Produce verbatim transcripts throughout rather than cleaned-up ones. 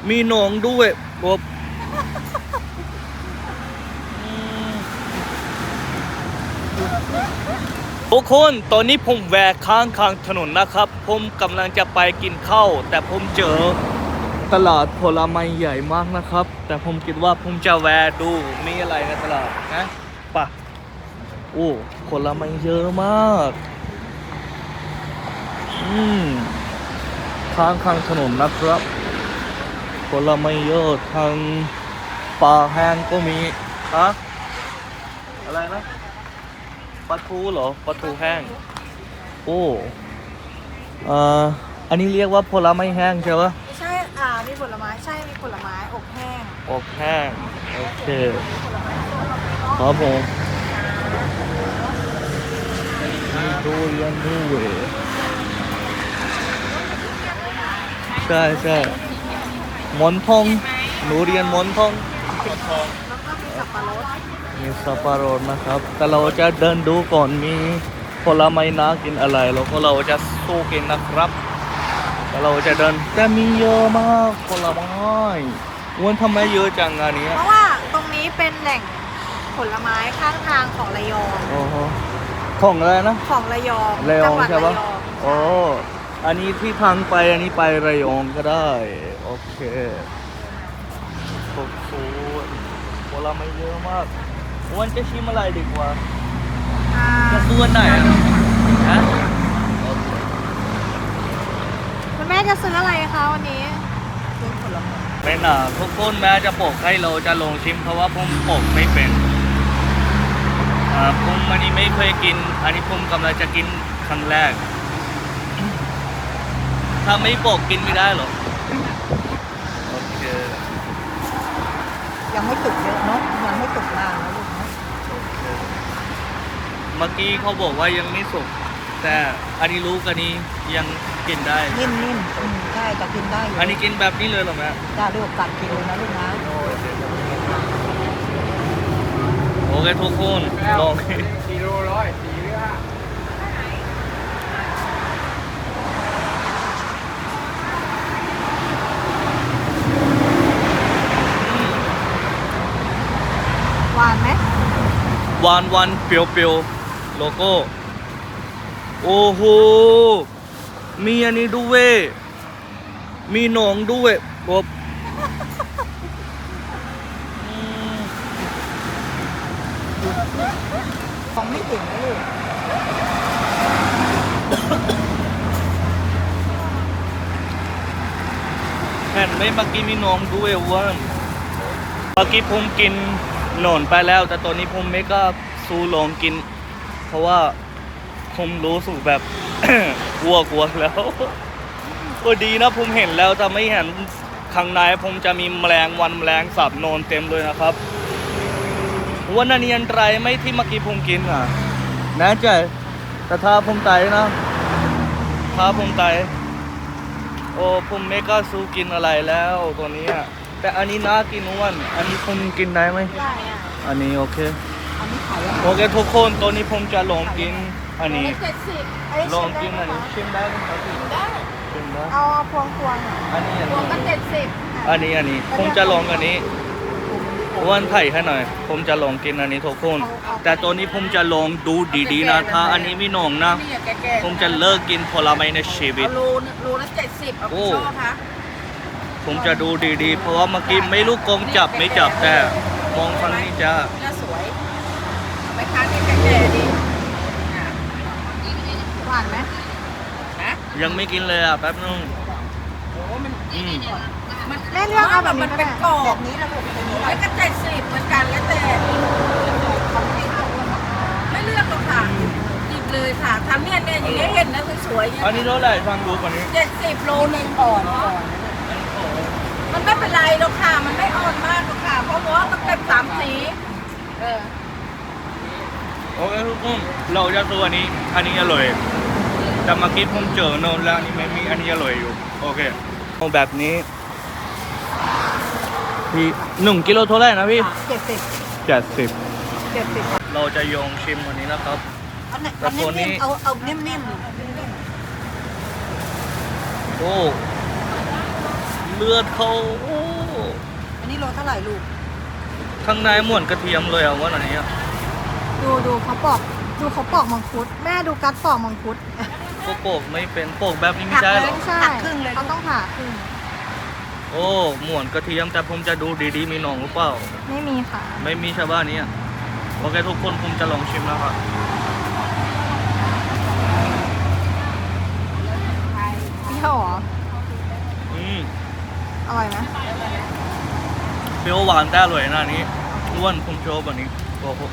มีหนองด้วยกบทุกคนตอนนี้ผมแวะข้างข้างถนนนะครับผมกำลังจะไปกินข้าวแต่ผมเจอตลาดผลไม้ใหญ่มากนะครับแต่ผมคิดว่าผมจะแวะดูมีอะไรในตลาดนะป่ะโอ้ผลไม้เยอะมากอืมข้างข้างถนนนะครับผลไม้เยอะทางปลาแห้งก็มีฮะอะไรนะปลาทูเหรอปลาทูแห้งโอ้เอ่ออันนี้เรียกว่าผลไม้แห้งใช่ปะใช่อ่ามีผลไม้ใช่มีผลไม้อบแห้งอบแห้งโอเคครับผมมีทุเรียนด้วยใช่ใช่หมอนทองหนูเรียนหมอนทองแล้วก็มีสับปะรดมีสับปะรดนะครับแต่เราจะเดินดูก่อนมีผลไม้น่ากินอะไรแล้วก็เราจะสู้กินนะครับแต่เราจะเดินแต่มีเยอะมากผลไม้วันทำไมเยอะจังอันนี้เพราะว่าตรงนี้เป็นแหล่งผลไม้ข้างทางของระยองโอ้โหของอะไรนะของระยองระยองจังหวัดใช่ระปะยองโอ้อันนี้ที่ทางไปอันนี้ไประยองก็ได้โอเคโอ้โหผลไม้เยอะมากวันจะชิมอะไรดีกว่าอ่าจะซื้อวันไหนอะฮะคุณแม่จะซื้ออะไรคะวันนี้ซื้อผลไม้เป็นอ่ะทุกคนแม้จะปกให้เราจะลงชิมเพราะว่าผมปกไม่เป็นอ่าผมอันนี้ไม่เคยกินอันนี้ผมกำลังจะกินครั้งแรกถ้าไม่ปกกินไม่ได้หรอโอเคยังไม่สุกเยอะเนาะยังไม่สุกนานนะลูกเนาะเมื่อกี้เขาบอกว่ายังไม่สุกแต่อันนี้รู้กันนี้ยังกินได้นิ่มๆอืมใช่จะกินได้อยู่อันนี้กินแบบนี้เลยเหรอแม่จ้าลูกกัดกินเลยนะลูกนะโอเคทุกคนลองสี่โลร้อยสี่เรือหวานไหมหวานหวานเปรี้ยวเปรี้ยวโลโก้โอ้โหมีอันนี้ด้วยมีหนองด้วยกบของไม่ถึงนะลูกเห็นไหมเมื่อกี้มีหนองด้วยว่าเมื่อกี้ผมกินหนอนไปแล้วแต่ตอนนี้ผมไม่กล้าสู้ลองกินเพราะว่าผมรู้สึกแบบ กลัวกลัวแล้วก็ดีนะผมเห็นแล้วแต่ไม่เห็นข้างในผมจะมีแมลงวันแมลงสาบนอนเต็มเลยนะครับวันนี้อันตรายไหมที่เมื่อกี้ผมกินอ่ะแน่ใจแต่ถ้าผมตายนะถ้าผมตายโอ้ผมไม่กล้าสู้กินอะไรแล้วตัวนี้แต่อันนี้น่ากินอ้วนอันนี้ผมกินได้ไหมได้อ่ะอันนี้โอเคอันนี้ขายยังไงโอเคทุกคนตัวนี้ผมจะลองกินอันนี้เจ็ดสิบลองกินอันนี้ชิมได้ไหมครับพี่ได้ชิมได้เอาพวงพวงอันนี้อันพวงก็นี้เจ็ดสิบอันนี้อันนี้ผมจะลองอันนี้วันไถ่ให้หน่อยผมจะลองกินอันนี้ทุกคนแต่ตัวนี้ผมจะลองดูดีๆนะถ้าอันนี้ไม่หนองนะผมจะเลิกกินผลไม้ในชีวิตโลโลละเจ็ดสิบเอาไปชอบคะผมจะดูดีๆเพราะว่าเมื่อกี้ไม่รู้กงจับไม่จับแต่มองฝั่งนี้จะน่าสวยไปค้างแก่ๆดีหวานไหมฮะยังไม่กินเลยอ่ะแป๊บนึงโอ้มันอืมมันแม่เลือกเอาแบบมันเป็นกรอบแบบนี้ระบบแล้วก็เจ็ดสิบเหมือนกันแล้วแต่ไม่เลือกหรอกค่ะหยิบเลยค่ะทำเนี่ยเนี่ยอย่างนี้เห็นนะสวยๆอันนี้เท่าไหร่ฟังดูกว่านี้เจ็ดสิบโลนึงก่อนก่อนมันไม่เป็นไรหรอกค่ะมันไม่อ่อนมากหรอกค่ะเพราะว่ามันเป็นสามสีเออโอเคทุกคนเราจะตัวอันนี้อันนี้อร่อยแต่เมื่อกี้ผมเจอโน่นแล้วอันนี้ไม่มีอันนี้อร่อยอยู่โอเคเอาแบบนี้พี่หนึ่งกิโลเท่าไหร่นะพี่เจ็ดสิบเจ็ดสิบเจ็ดสิบเราจะยองชิมวันนี้นะครับแต่ตัวนี้เอาเอานิ่มๆโอ้เลือดเขาโอ้อันนี้โลเท่าไหร่ลูกข้างในหมวนกระเทียมเลยอะว่าอันนี้อะดูดูเขาปอกดูเขาปอกมังคุด แม่ดูกัดปอกมังคุดก็โปกไม่เป็นโปกแบบนี้ไม่ใช่หรอไม่ใช่หักครึ่งเลยเขาต้องผ่าครึ่งโอ้หมวนกระเทียมแต่ผมจะดูดีๆมีหนองหรือเปล่าไม่มีค่ะไม่มีชาวบ้านนี้อะโอเคทุกคนผมจะลองชิมแล้วครับเปรี้ยวเหรออืมอร่อยไหมเปรี้ยวหวานแต่อร่อยนะอันนี้อ้วนผมชอบแบบนี้โอ้โห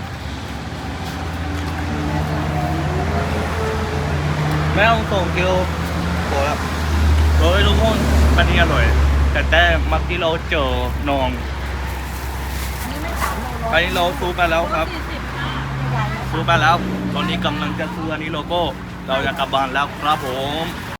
แม่ต้องส่งเกียวโอ้แล้วโอ้ยทุกคนอันนี้อร่อย แต่แต่เมื่อกี้เราเจอหนองอันนี้ไม่สามโลร้อยอันนี้เราซูไปแล้วครับสี่สิบใหญ่ๆซูไปแล้ว ตอนนี้กำลังจะซื้ออันนี้โลโก้ เราจะกลับบ้านแล้วครับผม